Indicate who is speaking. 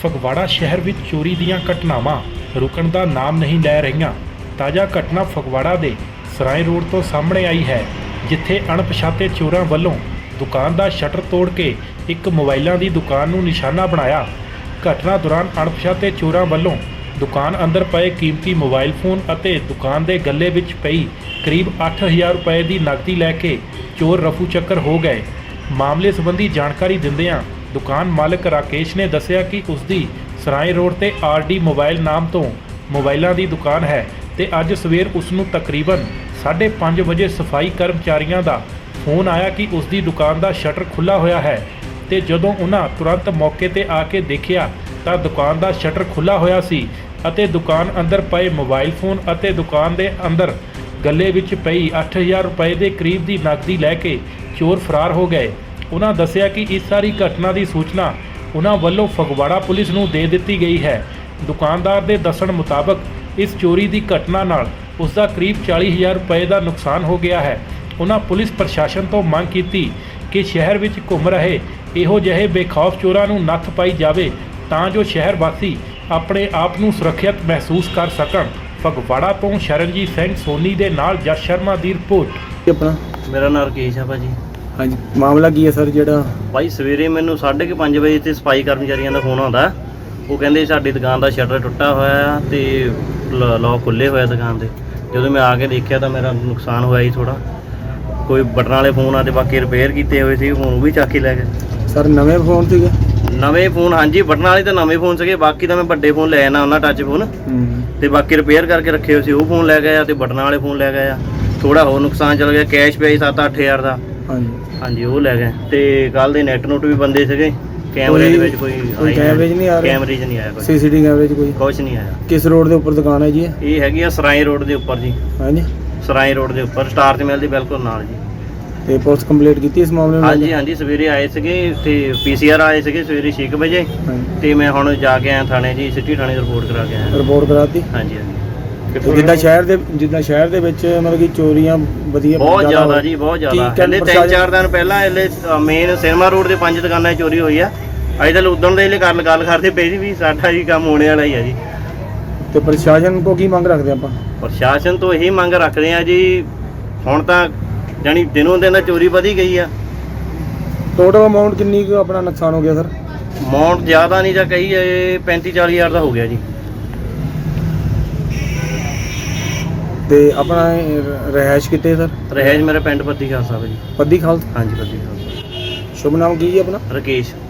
Speaker 1: ਫਗਵਾੜਾ ਸ਼ਹਿਰ ਵਿੱਚ ਚੋਰੀ ਦੀਆਂ ਘਟਨਾਵਾਂ ਰੁਕਣ ਦਾ ਨਾਮ ਨਹੀਂ ਲੈ ਰਹੀਆਂ। ਤਾਜ਼ਾ ਘਟਨਾ ਫਗਵਾੜਾ ਦੇ ਸਰਾਏ ਰੋਡ ਤੋਂ ਸਾਹਮਣੇ ਆਈ ਹੈ, ਜਿੱਥੇ ਅਣਪਛਾਤੇ ਚੋਰਾਂ ਵੱਲੋਂ ਦੁਕਾਨ ਦਾ ਸ਼ਟਰ ਤੋੜ ਕੇ ਇੱਕ ਮੋਬਾਈਲਾਂ ਦੀ ਦੁਕਾਨ ਨੂੰ ਨਿਸ਼ਾਨਾ ਬਣਾਇਆ। ਘਟਨਾ ਦੌਰਾਨ ਅਣਪਛਾਤੇ ਚੋਰਾਂ ਵੱਲੋਂ ਦੁਕਾਨ ਅੰਦਰ ਪਏ ਕੀਮਤੀ ਮੋਬਾਈਲ ਫੋਨ ਅਤੇ ਦੁਕਾਨ ਦੇ ਗੱਲੇ ਵਿੱਚ ਪਈ ਕਰੀਬ 8000 ਰੁਪਏ ਦੀ ਨਕਦੀ ਲੈ ਕੇ ਚੋਰ ਰਫੂ ਚੱਕਰ ਹੋ ਗਏ। ਮਾਮਲੇ ਸੰਬੰਧੀ ਜਾਣਕਾਰੀ ਦਿੰਦਿਆਂ ਦੁਕਾਨ ਮਾਲਕ ਰਾਕੇਸ਼ ਨੇ ਦੱਸਿਆ ਕਿ ਉਸ ਦੀ ਸਰਾਏ ਰੋਡ ਤੇ ਆਰਡੀ ਮੋਬਾਈਲ ਨਾਮ ਤੋਂ ਮੋਬਾਈਲਾਂ ਦੀ ਦੁਕਾਨ ਹੈ ਤੇ ਅੱਜ ਸਵੇਰ ਉਸ ਨੂੰ ਤਕਰੀਬਨ 5:30 ਵਜੇ ਸਫਾਈ ਕਰਮਚਾਰੀਆਂ ਦਾ ਫੋਨ ਆਇਆ ਕਿ ਉਸ ਦੀ ਦੁਕਾਨ ਦਾ ਸ਼ਟਰ ਖੁੱਲ੍ਹਾ ਹੋਇਆ ਹੈ ਤੇ ਜਦੋਂ ਉਹਨਾਂ ਤੁਰੰਤ ਮੌਕੇ ਤੇ ਆ ਕੇ ਦੇਖਿਆ ਤਾਂ ਦੁਕਾਨ ਦਾ ਸ਼ਟਰ ਖੁੱਲ੍ਹਾ ਹੋਇਆ ਸੀ ਅਤੇ ਦੁਕਾਨ ਅੰਦਰ ਪਏ ਮੋਬਾਈਲ ਫੋਨ ਅਤੇ ਦੁਕਾਨ ਦੇ ਅੰਦਰ ਗੱਲੇ ਵਿੱਚ ਪਈ 8000 ਰੁਪਏ ਦੇ ਕਰੀਬ ਦੀ ਨਕਦੀ ਲੈ ਕੇ ਚੋਰ ਫਰਾਰ ਹੋ ਗਏ। ਉਹਨਾਂ ਦੱਸਿਆ ਕਿ ਇਸ ਸਾਰੀ ਘਟਨਾ ਦੀ ਸੂਚਨਾ ਉਹਨਾਂ ਵੱਲੋਂ ਫਗਵਾੜਾ ਪੁਲਿਸ ਨੂੰ ਦੇ ਦਿੱਤੀ ਗਈ ਹੈ। ਦੁਕਾਨਦਾਰ ਦੇ ਦੱਸਣ ਮੁਤਾਬਕ ਇਸ ਚੋਰੀ ਦੀ ਘਟਨਾ ਨਾਲ ਉਸ ਦਾ ਕਰੀਬ 40000 ਰੁਪਏ ਦਾ ਨੁਕਸਾਨ ਹੋ ਗਿਆ ਹੈ। ਉਹਨਾਂ ਪੁਲਿਸ ਪ੍ਰਸ਼ਾਸਨ ਤੋਂ ਮੰਗ ਕੀਤੀ ਕਿ ਸ਼ਹਿਰ ਵਿੱਚ ਘੁੰਮ ਰਹੇ ਇਹੋ ਜਿਹੇ ਬੇਖੌਫ ਚੋਰਾਂ ਨੂੰ ਨੱਥ ਪਾਈ ਜਾਵੇ ਤਾਂ ਜੋ ਸ਼ਹਿਰ ਵਾਸੀ ਆਪਣੇ ਆਪ ਨੂੰ ਸੁਰੱਖਿਅਤ ਮਹਿਸੂਸ ਕਰ ਸਕਣ। ਫਗਵਾੜਾ ਤੋਂ ਸ਼ਰਨਜੀਤ ਸਿੰਘ ਸੋਨੀ ਦੇ ਨਾਲ ਜਸ ਸ਼ਰਮਾ ਦੀ ਰਿਪੋਰਟ।
Speaker 2: ਆਪਣਾ
Speaker 3: ਮੇਰਾ ਨਾਮ ਰਕੇਸ਼ ਆ ਭਾਜੀ।
Speaker 2: ਹਾਂਜੀ, ਮਾਮਲਾ ਕੀ ਹੈ ਸਰ? ਜਿਹੜਾ
Speaker 3: ਭਾਈ ਸਵੇਰੇ ਮੈਨੂੰ 5:30 ਵਜੇ ਤੇ ਸਫਾਈ ਕਰਮਚਾਰੀਆਂ ਦਾ ਫੋਨ ਆਉਂਦਾ। ਉਹ ਕਹਿੰਦੇ ਸਾਡੀ ਦੁਕਾਨ ਦਾ ਸ਼ਟਰ ਟੁੱਟਾ ਹੋਇਆ ਆ ਤੇ ਲੌਕ ਖੁੱਲੇ ਹੋਇਆ ਦੁਕਾਨ ਦੇ। ਜਦੋਂ ਮੈਂ ਆ ਕੇ ਦੇਖਿਆ ਤਾਂ ਮੇਰਾ ਨੁਕਸਾਨ ਹੋਇਆ ਹੀ ਥੋੜਾ। ਕੋਈ ਬਟਨ ਵਾਲੇ ਫੋਨ ਆ ਤੇ ਬਾਕੀ ਰਿਪੇਅਰ ਕੀਤੇ ਹੋਏ ਸੀ, ਫੋਨ ਵੀ ਚੱਕ ਕੇ ਲੈ ਗਏ।
Speaker 2: ਸਰ ਨਵੇਂ ਫੋਨ ਸੀਗੇ?
Speaker 3: ਨਵੇਂ ਫੋਨ, ਹਾਂਜੀ, ਬਟਨ ਵਾਲੇ ਤਾਂ ਨਵੇਂ ਫੋਨ ਸੀਗੇ। ਬਾਕੀ ਤਾਂ ਮੈਂ ਵੱਡੇ ਫੋਨ ਲੈ ਆਣਾ ਉਹਨਾਂ ਟੱਚ ਫੋਨ ਤੇ ਬਾਕੀ ਰਿਪੇਅਰ ਕਰਕੇ ਰੱਖੇ ਹੋਏ ਸੀ, ਉਹ ਫੋਨ ਲੈ ਗਏ ਆ ਤੇ ਬਟਨ ਵਾਲੇ ਫੋਨ ਲੈ ਗਏ ਆ। ਥੋੜਾ ਹੋਰ ਨੁਕਸਾਨ ਚਲ ਗਿਆ। ਕੈਸ਼ ਪਿਆ ਸੀ 7-8 ਹਜ਼ਾਰ ਦਾ। ਹਾਂਜੀ, ਉਹ ਲੈ ਗਏ। ਤੇ ਕੱਲ ਦੇ ਨੈਟ ਨੋਟ ਵੀ ਬੰਦੇ ਸੀਗੇ। ਕੈਮਰੇ ਦੇ ਵਿੱਚ ਕੋਈ
Speaker 2: ਕੈਮਰੇ 'ਚ ਨਹੀਂ ਆ ਰਿਹਾ?
Speaker 3: ਕੈਮਰੇ 'ਚ ਨਹੀਂ ਆਇਆ ਕੋਈ।
Speaker 2: ਸੀਸੀਟੀਵੀ ਕੈਮਰੇ 'ਚ ਕੋਈ
Speaker 3: ਕੁਛ ਨਹੀਂ ਆਇਆ।
Speaker 2: ਕਿਸ ਰੋਡ ਦੇ ਉੱਪਰ ਦੁਕਾਨ ਹੈ ਜੀ?
Speaker 3: ਇਹ ਹੈਗੀ ਆ ਸਰਾਏ ਰੋਡ ਦੇ ਉੱਪਰ ਜੀ।
Speaker 2: ਹਾਂਜੀ,
Speaker 3: ਸਰਾਏ ਰੋਡ ਦੇ ਉੱਪਰ ਸਟਾਰ ਤੇ ਮਿਲ ਦੀ ਬਿਲਕੁਲ ਨਾਲ ਜੀ।
Speaker 2: ਤੇ ਪੁਲਿਸ ਕੰਪਲੀਟ ਕੀਤੀ ਇਸ ਮਾਮਲੇ ਨੂੰ?
Speaker 3: ਹਾਂਜੀ, ਸਵੇਰੇ ਆਏ ਸੀਗੇ ਤੇ ਪੀਸੀਆਰ ਆਏ ਸੀਗੇ ਸਵੇਰੇ 6 ਵਜੇ ਤੇ ਮੈਂ ਹੁਣ ਜਾ ਕੇ ਆਇਆ ਥਾਣੇ ਜੀ, ਸਿਟੀ ਥਾਣੇ ਰਿਪੋਰਟ ਕਰਾ ਕੇ ਆਇਆ।
Speaker 2: ਰਿਪੋਰਟ ਕਰਾਤੀ?
Speaker 3: ਹਾਂਜੀ।
Speaker 2: ਜਿੱਦਾਂ ਸ਼ਹਿਰ ਦੇ ਵਿੱਚ ਮਤਲਬ ਕਿ ਚੋਰੀਆਂ ਵਧੀਆ
Speaker 3: ਬਹੁਤ ਜ਼ਿਆਦਾ ਜੀ, ਬਹੁਤ ਜ਼ਿਆਦਾ। ਕਹਿੰਦੇ 3-4 ਦਿਨ ਪਹਿਲਾਂ ਇਹਲੇ ਮੇਨ ਸਿਨੇਮਾ ਰੋਡ ਦੇ 5 ਦੁਕਾਨਾਂ 'ਚ ਚੋਰੀ ਹੋਈ ਆ। ਅੱਜ ਤਾਂ ਉਦਣ ਦੇ ਗੱਲ ਕਰਦੇ ਪਏ ਸੀ ਵੀ ਸਾਡਾ ਜੀ ਕੰਮ ਹੋਣੇ ਵਾਲਾ ਹੀ ਆ ਜੀ।
Speaker 2: ਤੇ ਪ੍ਰਸ਼ਾਸਨ ਤੋਂ ਕੀ ਮੰਗ ਰੱਖਦੇ ਆਪਾਂ?
Speaker 3: ਪ੍ਰਸ਼ਾਸਨ ਤੋਂ ਇਹੀ ਮੰਗ ਰੱਖਦੇ ਆ ਜੀ, ਹੁਣ ਤਾਂ ਜਾਨੀ ਦਿਨੋਂ ਦਿਨ ਚੋਰੀ ਵਧੀ ਗਈ ਆ।
Speaker 2: ਟੋਟਲ ਅਮਾਉਂਟ ਕਿੰਨੀ ਕੁ ਆਪਣਾ ਨੁਕਸਾਨ ਹੋ ਗਿਆ ਸਰ?
Speaker 3: ਅਮਾਉਂਟ ਜ਼ਿਆਦਾ ਨਹੀਂ ਜਾਂ ਕਹੀ 35-40 ਹਜ਼ਾਰ ਦਾ ਹੋ ਗਿਆ ਜੀ।
Speaker 2: ਤੇ ਆਪਣਾ ਰਹਿائش ਕਿੱਥੇ ਸਰ?
Speaker 3: ਰਹਿائش ਮੇਰੇ ਪਿੰਡ ਪੱਦੀ ਖਾਲਸਾ ਜੀ।
Speaker 2: ਪੱਦੀ ਖਾਲਸਾ?
Speaker 3: ਹਾਂਜੀ, ਪੱਦੀ ਖਾਲਸਾ।
Speaker 2: ਸ਼ੁਭ ਨਾਮ ਕੀ ਜੀ ਆਪਣਾ?
Speaker 3: ਰਕੇਸ਼।